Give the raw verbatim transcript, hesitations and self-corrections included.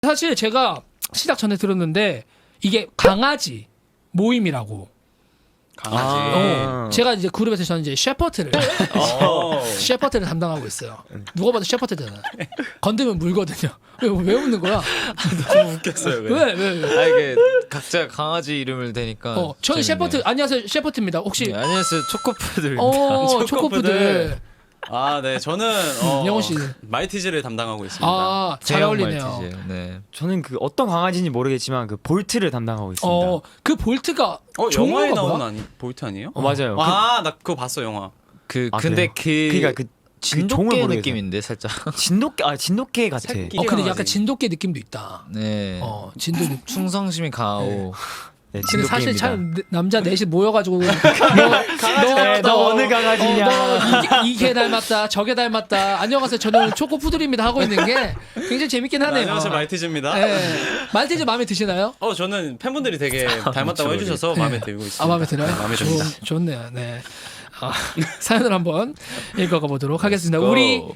사실 제가 시작 전에 들었는데 이게 강아지 모임이라고. 강아지. 어, 제가 이제 그룹에서 저는 이제 셰퍼트를 어. 셰퍼트를 담당하고 있어요. 누가 봐도 셰퍼트잖아. 건드면 물거든요. 왜, 왜 웃는 거야? 너무 웃겼어요. 그냥. 왜 왜? 왜? 아 이게 각자 강아지 이름을 대니까. 어, 저는 재밌네요. 셰퍼트. 안녕하세요, 셰퍼트입니다. 혹시 네, 안녕하세요 초코푸들입니다. 어 초코푸들. 초코푸들. 아, 네. 저는 어, 영호 씨. 말티즈를 담당하고 있습니다. 아, 잘 대형 어울리네요. 말티즈. 네. 저는 그 어떤 강아지인지 모르겠지만 그 볼트를 담당하고 있습니다. 어, 그 볼트가 어, 종류가 영화에 나온 뭐야? 아니 볼트 아니에요? 어, 맞아요. 그, 아, 나 그거 봤어, 영화. 그 아, 근데 그래요? 그 그러니까 그 종을 진돗개 모르겠어요. 느낌인데 살짝. 진돗개 아 진돗개 같아. 새끼. 어, 근데 약간 강아지. 진돗개 느낌도 있다. 네. 어, 진돗. 충성심이 강하고. 네, 근데 사실 진돗개입니다. 참 남자 넷이 모여가지고 너, 네, 너 어느 강아지냐? 어, 너 이, 이개 닮았다 저게 닮았다 안녕하세요 저는 초코푸들입니다 하고 있는 게 굉장히 재밌긴 하네요. 안녕하세요, 말티즈입니다. 네. 말티즈 마음에 드시나요? 어, 저는 팬분들이 되게 닮았다고 해주셔서 마음에 들고 있습니다. 아 마음에 들어요? 네, 마음에 듭니다. 좋, 좋네요. 네. 아, 사연을 한번 읽어가 보도록 하겠습니다. Let's go. 우리